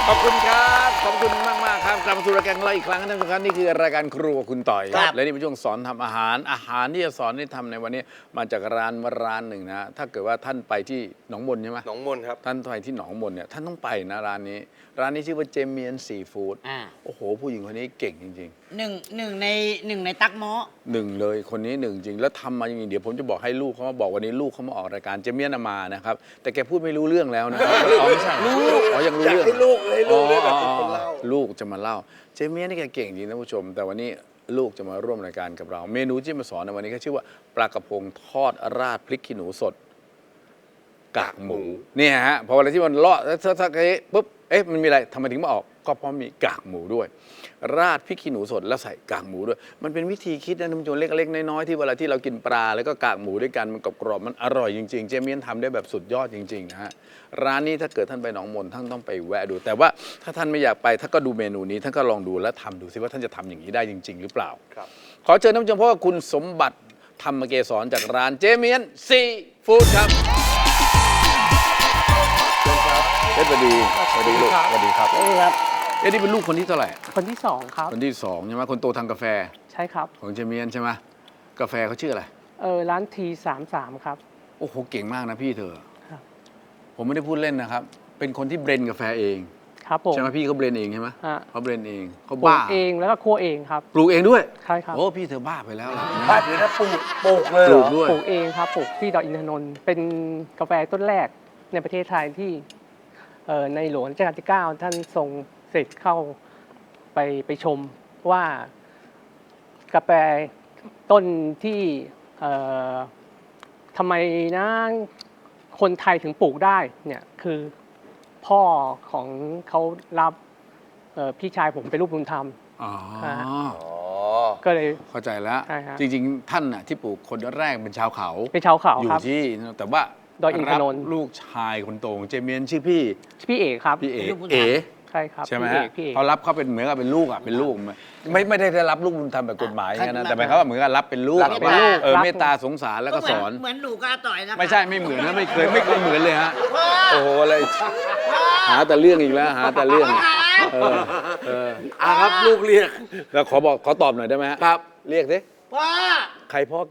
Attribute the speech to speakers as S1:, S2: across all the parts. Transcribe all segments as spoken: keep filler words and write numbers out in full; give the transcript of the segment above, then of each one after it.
S1: ขอบคุณครับขอบคุณมากมากๆครับกลับมาสู่รายการของเราอีกครั้งนะท่านผู้ชมนี่คือรายการครัวคุณต่อยและนี่เป็นช่วงสอนทำอาหารอาหารที่จะสอนที่ทำในวันนี้มาจากร้านร้านหนึ่งนะถ้าเกิดว่าท่านไปที่หนองมนใช่ไหม
S2: หนองมนครับ
S1: ท่านไปที่หนองมนเนี่ยท่านต้องไปนะร้านนี้ ร้านนี้ชื่อว่าเจเมียนซีฟู้ด
S3: อ่า
S1: โอ้โหผู้หญิงคนนี้เก่งจริง
S3: หนึ่งหนึ่งในหนึ่งในตักหม้อ
S1: ๆหนึ่งเลยคนนี้หนึ่งจริงแล้วทำมาอย่างนี้เดี๋ยวผมจะบอกให้ลูกเขามาบอกวันนี้ลูกเขามาออกรายการเจเมียนมานะครับแต่แกพูดไม่รู้เรื่องแล้วนะครับอ๋อไม่ใช่ลูกอ๋อยังรู้
S2: อยาก
S1: เรื่อง
S2: ให้ลูกให้ลูกได้แบบเป็น
S1: อ๋อ
S2: คนเล่า
S1: ลูกจะมาเล่าเจเมียนนี่แกเก่งจริงนะผู้ชม แต่วันนี้ลูกจะมาร่วมรายการกับเรา เมนูที่มาสอนในวันนี้ก็ชื่อว่าปลากระพงทอดราดพริกขี้หนูสดกากหมูเนี่ยฮะพอเวลาที่มันเลาะแล้วสักๆปุ๊บเอ๊ะมันมีอะไรทำไมถึงมาออกก็เพราะมีกากหมูด้วย ราดพริกขี้หนูสดแล้วใส่กากหมูด้วย มันเป็นวิธีคิดนะท่านผู้ชมเล็กๆน้อยๆที่เวลาที่เรากินปลาแล้วก็กากหมูด้วยกันมันกรอบๆมันอร่อยจริงๆเจเมียนทำได้แบบสุดยอดจริงๆนะฮะร้านนี้ถ้าเกิดท่านไปหนองมนท่านต้องไปแวะดู แต่ว่าถ้าท่านไม่อยากไปท่านก็ดูเมนูนี้ท่านก็ลองดูและทำดูซิว่าท่านจะทำอย่างนี้ได้จริง ๆ หรือเปล่า
S2: ครับ
S1: ขอเชิญท่านผู้ชมพบกับคุณสมบัติธรรมเกษรจากร้านเจเมียนซีฟู้ดครับเชิญครับเอ็ดสวัสดีสวัสดีลูกสวัสดีครับ
S4: นี่ครับ
S1: เอ็ดนี่เป็นลูกคนที่เท่าไหร่
S4: คนที่สองครับ
S1: คนที่สองใช่ไหมคนโตทางกาแฟ
S4: ใช่ครับ
S1: ของเจเมียนใช่ไหมกาแฟเขาชื่ออะไร
S4: เออร้านทีสามสามครับ
S1: โอ้โหเก่งมากนะพี่เธอ
S4: ครับ
S1: ผมไม่ได้พูดเล่นนะครับ เป็นคนที่เบรนกาแฟเอง
S4: ครับผม
S1: ใช่ไหมพี่เขาเบรนเองใช่ไหม
S4: ฮะ
S1: เขาเบรนเองเขา
S4: ปลู
S1: บ้าก
S4: เองแล้วก็คั่วเองครับ
S1: ปลูกเองด้วย
S4: ใช่ครับ
S1: โอ้พี่เธอบ้าไปแล้วล่ะ
S2: บ้านเดี๋ยวนะปลูกปลูกเลย
S1: ป
S2: เหร
S1: ลู
S2: อก
S1: ด้วย
S4: ปลูกเองครับปลูกที่ดอยอินทนนท์เป็นกาแฟต้นแรกในประเทศไทยที่เอ่อในหลวงรัชกาลที่เก้าท่านทรงเสด็จเข้าไปไปชมว่ากาแฟต้นที่เอ่อทำไมนะคนไทยถึงปลูกได้เนี่ยคือพ่อของเขารับเอ่อพี่ชายผมเป็นลูกบุญธรรม
S1: อ๋อ
S4: ฮะ
S2: อ๋อ
S4: ก็เลย
S1: เข้าใจแล้ว
S4: ใช่ฮะ
S1: จริงๆ ท่านน่ะที่ปลูกคนแรกเป็นชาวเขา
S4: เป็นชาวเขา
S1: อยู่
S4: ครับ
S1: ที่แต่ว่า
S4: ดอยอินทนนท์
S1: รับลูกชายคนโตของเจเมียนชื่อพี่
S4: พี่เอกครับ
S1: พี่เอ๋
S3: ลูกบุญธรรม
S1: เอ๋
S4: ใช่ครับ
S1: ใช่ไหม
S4: พี่เอ
S1: ฮะ
S4: กพี่เอก
S1: เขารับเขาเป็นเหมือนกับเป็นลูกอ่ะเป็นลูกไม่ไม่ได้ได้รับลูกบุญธรรมแบบกฎหมายอย่างนั้นนะแต่หมายความว่าเหมือนกับรับเป็นลูก
S3: รับเป็นลูก
S1: เออ
S4: รับ
S1: เมตตาสงสารแล้วก็สอน
S3: เหมือนหนูกับอาต่อยนะคะ
S1: ไม่ใช่ไม่เหมือนนะไม่เคยไม่เคยเหมือนเลยฮะโอ้โหอะไรหาแต่เรื่องอีกแล้วหาแต่เรื่องเออเออ
S2: อ่ะครับลูกเรียก
S1: แล้วขอบอกขอตอบหน่อยได้ไหมฮะ
S2: ครับ
S1: เรียกสิ
S3: พ่อ
S1: ใครพ่อแก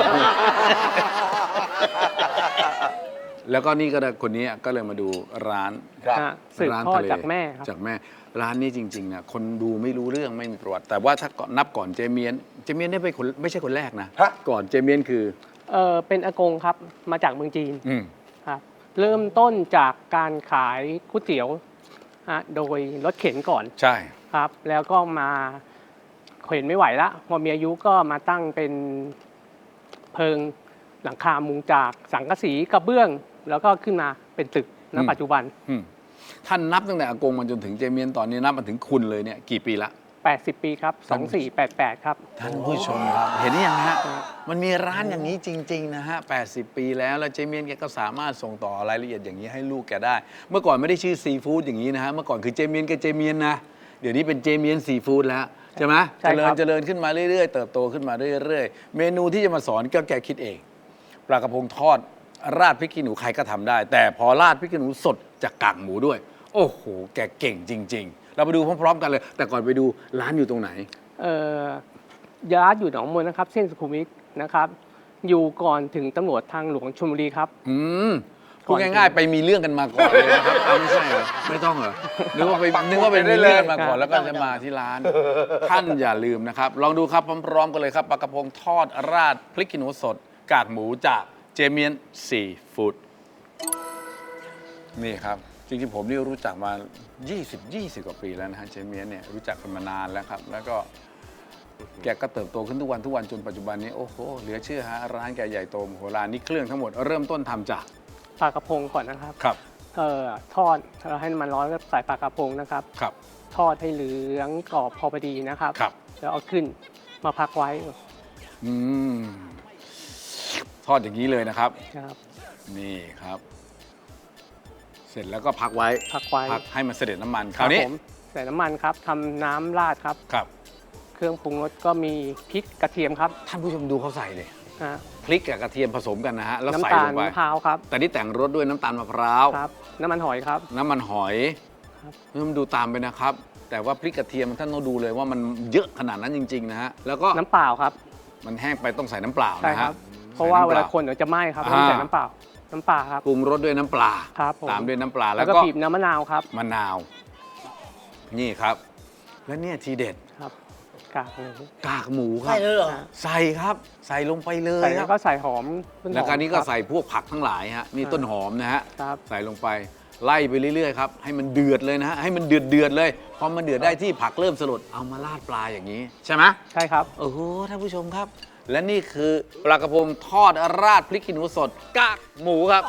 S1: แล้วก็นี่ก็ได้คนนี้ก็เลยมาดูร้าน
S2: ครับ
S4: ฮะสืบ
S1: ร้าน
S4: ทอด
S1: ทะเล
S4: จากแม่ครับ
S1: จากแม่ร้านนี้จริงๆนะคนดูไม่รู้เรื่องไม่มีประวัติ แต่ว่าถ้าก่อนนับก่อนเจเมียนเจเมียนเนี่ยเป็นคนไม่ใช่คนแรกนะ
S2: ฮะ
S1: ก่อนเจเมียนคือ
S4: เออเป็นอากงครับมาจากเมืองจีน
S1: อืม
S4: ครับเริ่มต้นจากการขายก๋วยเตี๋ยวฮะโดยรถเข็นก่อน
S1: ใช่
S4: ครับ แล้วก็มาเข็นไม่ไหวละพอมีอายุก็มาตั้งเป็นเพิงหลังคามุงจากสังกะสีกระเบื้อง แล้วก็ขึ้นมาเป็นตึกณปัจจุบัน
S1: อืมท่านนับตั้งแต่อากงมาจนถึงเจเมียนตอนนี้นับมาถึงคุณเลยเนี่ยกี่ปีละ
S4: แปดสิบ ปีครับสองสี่แปดแปดครับ
S1: ท่านผู้ชมครับ เห็นหรือยังฮะ มันมีร้านอย่างนี้จริง ๆ นะฮะ แปดสิบ ปีแล้ว แล้วเจเมียนแกก็สามารถส่งต่อรายละเอียดอย่างนี้ให้ลูกแกได้ เมื่อก่อนไม่ได้ชื่อซีฟู้ดอย่างนี้นะฮะ เมื่อก่อนคือเจเมียนกับเจเมียนนะ เดี๋ยวนี้เป็นเจเมียนซีฟู้ดแล้วใช่ไหม
S4: ใช่
S1: เจ
S4: ครับ
S1: ริญเจริญขึ้นมาเรื่อยๆ เติบโตขึ้นมาเรื่อยๆ เมนูที่จะมาสอนก็แกคิดเอง ปลากระพงทอดราดพริกขี้หนูใครก็ทำได้ แต่พอราดพริกขี้หนูสดจากกากหมูด้วย โอ้โห แกเก่งจริง ๆ เราไปดูพร้อมๆ กันเลย แต่ก่อนไปดูร้านอยู่ตรงไหน
S4: เอ่อยาร์ดอยู่หนองมนนะครับ เส้นสุขุมวิทนะครับ อยู่ก่อนถึงตำรวจทางหลวงชลบุรีครับ
S1: อืมพูดง่ายๆ ไปมีเรื่องกันมาก่อนเลยนะครับอ้าวไม่ใช่เหรอไม่ต้องเหรอนึกว่าไปนึกว่าไปมีเรื่องกันมาก่อนแล้วก็จะมาที่ร้าน ท่านอย่าลืมนะครับ ลองดูครับพร้อมๆกันเลยครับปลากระพงทอดราดพริกขี้หนูสด กากหมูจากเจเมียนซีฟู้ดนี่ครับ จริงๆผมนี่รู้จักมา ยี่สิบ ยี่สิบ กว่าปีแล้วนะฮะเจเมียนเนี่ยรู้จักกันมานานแล้วครับ แล้วก็แกก็เติบโตขึ้นทุกวันทุกวันจนปัจจุบันนี้โอ้โหเหลือเชื่อฮะร้านแกใหญ่โตมโหฬารนี่เครื่องทั้งหมดเริ่มต้นทำจาก
S4: ปลากระพงก่อนนะครับ
S1: ครับ
S4: เอ่อทอดเราให้น้ำมันร้อนก็ใส่ปลากระพงนะครับ
S1: ครับ
S4: ทอดให้เหลืองกรอบพอพอดีนะครับ
S1: ครับ
S4: แล้วเอาขึ้นมาพักไว้
S1: อืมทอดอย่างนี้เลยนะครับ
S4: ครับ
S1: นี่ครับ เสร็จแล้วก็พักไว้
S4: พักไว้
S1: พักให้มันเสด็จน้ำมันคราวนี้
S4: ผมใส่น้ำมันครับทำน้ำราดครับ
S1: ครับ
S4: เครื่องปรุงรสก็มีพริกกระเทียมครับ
S1: ท่านผู้ชมดูเขาใส่เลย
S4: ฮะ
S1: พริกกับกระเทียมผสมกันนะฮะแล้วใส่
S4: น้ำตา
S1: ล
S4: ล
S1: งไป
S4: มะพร้าวครับ
S1: แต่นี่แต่งรสด้วยน้ำตาลมะพร้าว
S4: ครับ น้ำมันหอยครับ
S1: น้ำมันหอย
S4: ครับ
S1: ท่านผู้ชมดูตามไปนะครับ แต่ว่าพริกกระเทียมท่านต้องดูเลยว่ามันเยอะขนาดนั้นจริงๆนะฮะแล้วก็
S4: น้ำเปล่าครับ
S1: มันแห้งไปต้องใส่น้ำเปล่า
S4: ใช่
S1: นะ
S4: ค
S1: ค
S4: รั
S1: รั
S4: บบ เพราะว่าเวลาคนเดี๋ยวจะไหม้ครับ
S1: อ่า
S4: ต้องใส่น้ำเปล่าน้ำปลาครับ
S1: ปรุงรสด้วยน้ำปลา
S4: ครับผม
S1: ตามด้วยน้ำปลา
S4: แล้
S1: แล้ว ว
S4: ก็
S1: ก็
S4: บีบน้ำมะนาวครับ
S1: มะนาว นี่ครับ และเนี่ยทีเด็ด
S4: ครับกากหมู
S1: กากหมูครั
S3: ใช่
S1: บ
S3: เลยเหรอ
S1: ใส่ครับ ใส่ลงไปเลย
S4: ใส่
S1: ค
S4: แล้
S1: รั
S4: ว
S1: บ
S4: ก็ใส่หอมต้นหอม
S1: แล้วก็นี้ก็
S4: ครับ
S1: ใส่พวกผักทั้งหลายฮะนี่
S4: อ่า
S1: ต้นหอมนะฮะ
S4: ครับ
S1: ใส่ลงไปไล่ไปเรื่อยๆครับให้มันเดือดเลยนะฮะให้มันเดือดเดือดๆเลยพอมันเดือดได้ที่ผักเริ่มสลดเอามาราดปลาอย่างนี้ ใช่ไหม
S4: ใช่ครับ
S1: โอ้โหท่านผู้ชมครับ และนี่คือปลากระพงทอดราดพริกขี้หนูสดกากหมูครับ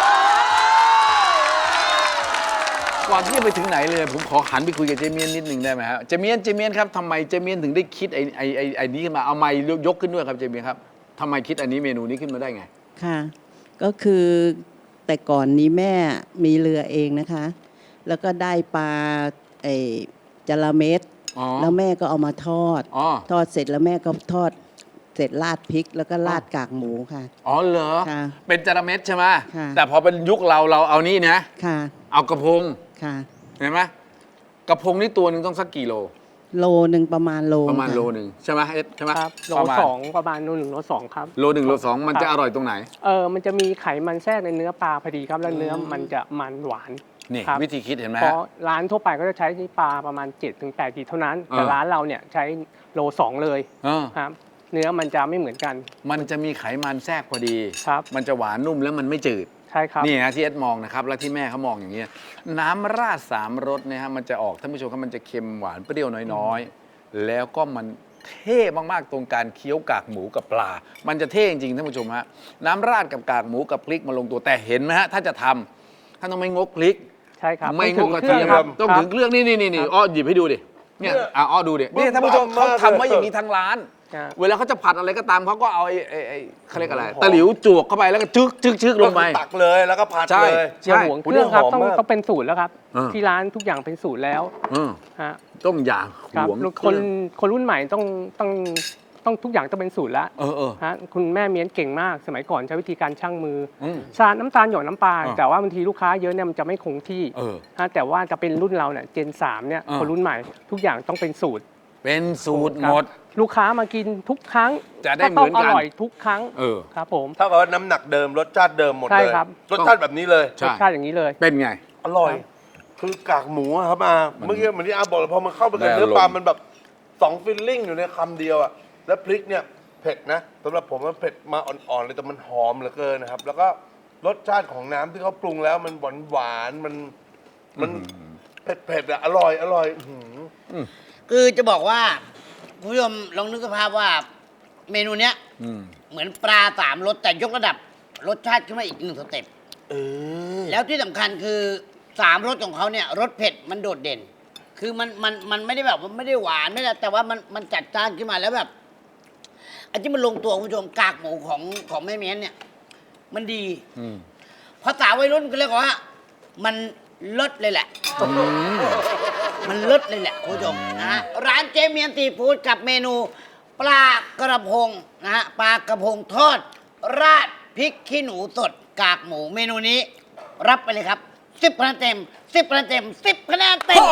S1: ก่อนที่จะไปถึงไหนเลย ผมขอหันไปคุยกับเจเมียนนิดหนึ่งได้ไหมครับเจเมียนเจเมียนครับทำไมเจเมียนถึงได้คิดไอ้ไอ้ไอ้ไอ้นี้ขึ้นมาเอาไม้ยกขึ้นด้วยครับเจเมียนครับทำไมคิดอันนี้เมนูนี้ขึ้นมาได้ไง
S5: ค่ะ ก็คือแต่ก่อนนี้แม่มีเรือเองนะคะ แล้วก็ได้ปลาไอ้จระเม็ด
S1: อ๋อ
S5: แล้วแม่ก็เอามาทอด
S1: อ๋อ
S5: ทอดเสร็จแล้วแม่ก็ทอดเสร็จราดพริก แล้วก็ราดกากหมูค่ะ
S1: อ๋อเหรอ
S5: ค่ะ
S1: เป็นจระเม็ดใช่ไหม
S5: ค่ะ
S1: แต่พอเป็นยุคเราเราเอานี่นะ
S5: ค่ะ
S1: เอากระพง
S5: ค่ะ
S1: เห็นไหมกระพงนี่ตัวหนึ่งต้องสักกี่โล
S5: โลหนึ่งประมาณโล
S1: ประมาณ
S5: ค่
S1: โลหนึ่งใช่ไหมเอ็ดใช่ไหม
S4: ครับโล
S1: ประมาณ
S4: สองประมาณโลหนึ่งโลสองครับ
S1: โลหนึ่งโลสองมัน
S4: ครับ
S1: จะอร่อยตรงไหน
S4: เออมันจะมีไขมันแทรกในเนื้อปลาพอดีครับแล้วเนื้อมันจะมันหวาน
S1: นี่
S4: ครับ
S1: วิธีคิดเห็นไหม
S4: เพ
S1: ฮะ
S4: ราะร้านทั่วไปก็จะใช้ปลาประมาณ เจ็ดถึงแปดขีดเท่านั้น แต่
S1: เออ
S4: ร้านเราเนี่ยใช้โลสองเลย
S1: เออ
S4: ครับ เนื้อมันจะไม่เหมือนกัน
S1: มันจะมีไขมันแทรกพอดี
S4: ครับ
S1: มันจะหวานนุ่มแล้วมันไม่จืด
S4: ใช่ครับ
S1: นี่ฮะที่เอ็ดมองนะครับ แล้วที่แม่เขามองอย่างนี้ยน้ำราดสามรสเนี่ยฮะมันจะออกท่านผู้ชมครับมันจะเค็มหวานเปรี้ยวน้อยๆ แล้วก็มันเท่มากๆตรงการเคี้ยวกากหมูกับปลา มันจะเท่จริงๆท่านผู้ชมฮะน้ำราดกับกากหมูกับพริกมาลงตัวแต่เห็นไหมฮะถ้าจะทำท่านต้องไม่งกพริก
S4: ใช่ครับ
S1: ไม่ง
S4: ถึ
S1: ก
S4: ง
S1: กระ
S4: เครื่
S1: เที
S4: อง
S1: ยม
S4: ครับ
S1: ต้อง
S4: ครั
S1: ถึ
S4: บ
S1: งเครื่องนี่นี่นี่นี่
S4: ครับ
S1: อ้อหยิบให้ดูดิเนี่ยอ่ะอ้อดูดินี่ท่านผู้ชมเขาทำไว้อย่างนี้ทั้งร้าน
S4: ครับ
S1: เวลาเขาจะผัดอะไรก็ตามเขาก็เอาไอ้ไอ้ไอ้เขาเรียกอะไรตะหลิวจวกเข้าไปแล้วก็จึ๊กจึ๊กจึ๊กลงไป
S2: ตักเลยแล้วก็ผัด
S1: ใช่
S2: เลย
S4: อย่าหวงเครื่องครับ
S2: โอ้โห
S4: ต้อง
S2: หอมมาก
S4: ต้องเป็นสูตรแล้วครับ
S1: เออ
S4: ที่ร้านทุกอย่างเป็นสูตรแล้ว
S1: เออ
S4: ฮะ
S1: ต้องอย่า
S4: ครับ
S1: หวง
S4: คนคนรุ่นใหม่ต้องต้องต้องทุกอย่างต้องเป็นสูตรแล้ว
S1: เออเออ
S4: ฮะคุณแม่เมียนเก่งมากสมัยก่อนใช้วิธีการชั่งมือ
S1: อืม
S4: ชาน้ำตาลหยดน้ำปลา
S1: อ่า
S4: แต่ว่าบางทีลูกค้าเยอะเนี่ยมันจะไม่คงที่
S1: เออ
S4: ฮะแต่ว่าจะเป็นรุ่นเราเนี่ยเจนสามเนี่ย
S1: อ่า
S4: คนรุ่นใหม่ ทุกอย่างต้องเป็นสูตร
S1: เป็นสูตร
S4: ครับ
S1: หมด
S4: ลูกค้ามากินทุกครั้ง
S1: จะได้เหมือนกัน
S4: ต้งอร่อยทุกครั้ง
S1: เออ
S4: ครับผม
S2: ถ้ากับว่าน้ำหนักเดิมรสชาติเดิมหมด
S4: ใช่
S2: เลย
S4: ครับ
S2: รสชาติแบบนี้เลย
S1: ใช่
S4: รสชาติอย่างนี้เลย
S1: เป็นไง
S2: อร่อย
S4: ครับ
S2: คือกากหมูอะครับอาเมื่อกี้เหมือนที่อาบอกเลยพอมันเข้าไปกับ
S1: ได้
S2: เนื้อปลา
S1: อารมณ์
S2: มันแบบสองฟิลลิ่งอยู่ในคำเดียวอ่ะแล้วพริกเนี่ยเผ็ดนะสำหรับผมมันเผ็ดมาอ่อนๆเลยแต่มันหอมเหลือเกินนะครับ แล้วก็รสชาติของน้ำที่เขาปรุงแล้วมันหวานหวานๆมันมันเผ็ดๆอ่ะอร่อยอร่อยอื้อหือ
S3: คือจะบอกว่าคุณผู้ชมลองนึกสภาพว่าเมนูเนี้ย
S1: อืม
S3: เหมือนปลาสามรสแต่ยกระดับรสชาติขึ้นมาอีกหนึ่งสเต็ป
S2: เออ
S3: แล้วที่สำคัญคือสามรสของเขาเนี่ยรสเผ็ดมันโดดเด่น คือมันมันมันไม่ได้แบบว่าไม่ได้หวานไม่ได้แต่ว่ามันมันจัดจ้านขึ้นมาแล้วแบบอันที่มันลงตัวคุณผู้ชมกากหมูของของแม่เมียนเนี่ย มันดี
S1: อืม
S3: ภาษาวัยรุ่นก็เรียกว่า มันเลิศเลยแหละ
S1: อืม
S3: มันเลิศเลยแหละคุณผู้ชมนะฮะร้านเจเมียนซีฟู้ดกับเมนู ปลากระพงนะฮะปลากระพงทอด ราดพริกขี้หนูสดกากหมูเมนูนี้ รับไปเลยครับสิบคะแนนเต็มสิบคะแนนเต็มสิบคะแนนเต็ม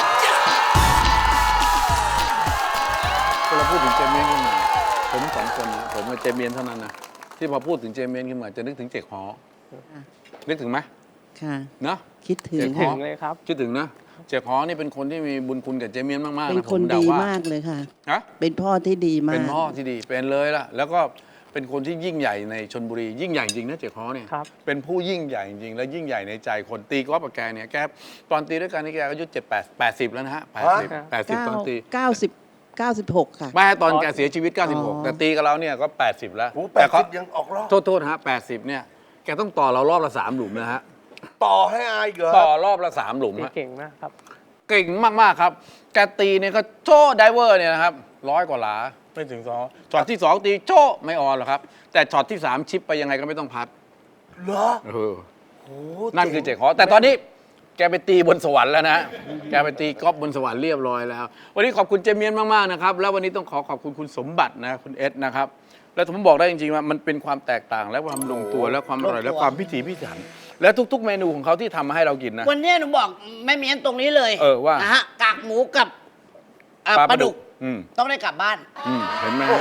S1: เวลาพูดถึงเจเมียนขึ้นมาผมสองคนนะผมกับเจเมียนเท่านั้นนะที่พอพูดถึงเจเมียนขึ้นมาจะนึกถึงเจ๊กฮอนึกถึงไหม
S5: ค่ะ
S1: เนาะ
S5: คิดถึง
S1: เจ็ด
S4: ถึ
S1: ข
S4: ง
S1: อ
S4: เลยครับ
S1: คิดถึงนะเจ๊กฮอนี่เป็นคนที่มีบุญคุณกับเจเมียนมากๆ
S5: เป็น
S1: นะผ
S5: คน
S1: มเดา
S5: ดี
S1: ว่าม
S5: ากเลยค่ะ
S1: ฮะ
S5: เป็นพ่อที่ดีมาก
S1: เป็นพ่อที่ดีเป็นเลยล่ะแล้วก็เป็นคนที่ยิ่งใหญ่ในชนบุรียิ่งใหญ่จริงนะเจ๊กฮอเนี่ย
S4: ครับ
S1: เป็นผู้ยิ่งใหญ่จริงและยิ่งใหญ่ในใจคนตีกอล์ฟกับแกเนี่ยแกตอนตีด้วยกันนี่แกอายุเจ็ดแปดแปดสิบแล้วนะฮะแปดสิบแปดสิบตอนตี
S5: เก้าสิบเก้าสิบหกค่ะ
S1: ไม่ตอนแกเสียชีวิต
S5: อ๋
S1: เก้าสิบหก
S5: อ
S1: แต่ตีกับเราเนี่ยก็ แปดสิบ แล้ว
S2: โอ้แป
S1: แต่
S2: ด
S1: เขา
S2: สิบยังออกรอบ
S1: โทษโทษฮะแปดสิบเนี่ยแกต้องต่อเรารอบละสามหลุมนะฮะ
S2: ต่อให้อายเหรอ
S1: ต่อรอบละสามหลุมฮะ
S4: เก่งมากครับ
S1: เก่งมากๆครับแกตีเนี่ยก็โชว์ไดเวอร์เนี่ยนะครับร้อยกว่าหลาไม่ถึงสองช็อตที่สองตีโชว์ไม่ออนหรอกครับ แต่ช็อตที่สามชิปไปยังไงก็ไม่ต้องพัด
S2: เหรอ
S1: เออ
S2: โอ้
S1: นั่นคือเจ๊ขอแต่ตอนนี้แกไปตีบนสวรรค์แล้วนะ แกไปตีกอล์ฟบนสวรรค์เรียบร้อยแล้ว วันนี้ขอบคุณเจเมียนมากๆนะครับแล้ววันนี้ต้องขอขอบคุณคุณสมบัตินะคุณเอสนะครับแล้วผมบอกได้จริงๆว่ามันเป็นความแตกต่างและความลงตัวและความอร่อยและความพิถีพิถันและทุก ๆ เมนูของเขาที่ทำมาให้เรากินนะ
S3: วันนี้หนูบอกแม่เมียนตรงนี้เลย
S1: เออว่า
S3: นะฮะกากหมูกับเอ่อปลาดุก
S1: อืม
S3: ต้องได้กลับบ้าน
S1: อืมเห็นไหมฮะ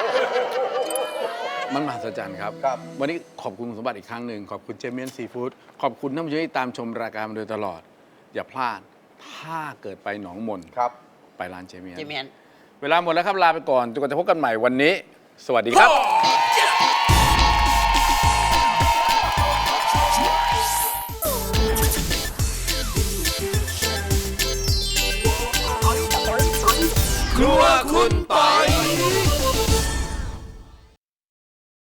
S1: มันมหัศจรรย์ครับ
S2: ครับ
S1: วันนี้ขอบคุณคุณสมบัติอีกครั้งหนึ่งขอบคุณเจเมียนซีฟู้ดขอบคุณท่านผู้ชมที่ตามชมรายการมาโดยตลอด อย่าพลาด ถ้าเกิดไปหนองมน
S2: ครับ
S1: ไปร้านเจเมียน
S3: เจเมียน
S1: เวลาหมดแล้วครับ ลาไปก่อนจนกว่าจะพบกันใหม่วันนี้ สวัสดีครับ ครัวคุณปอย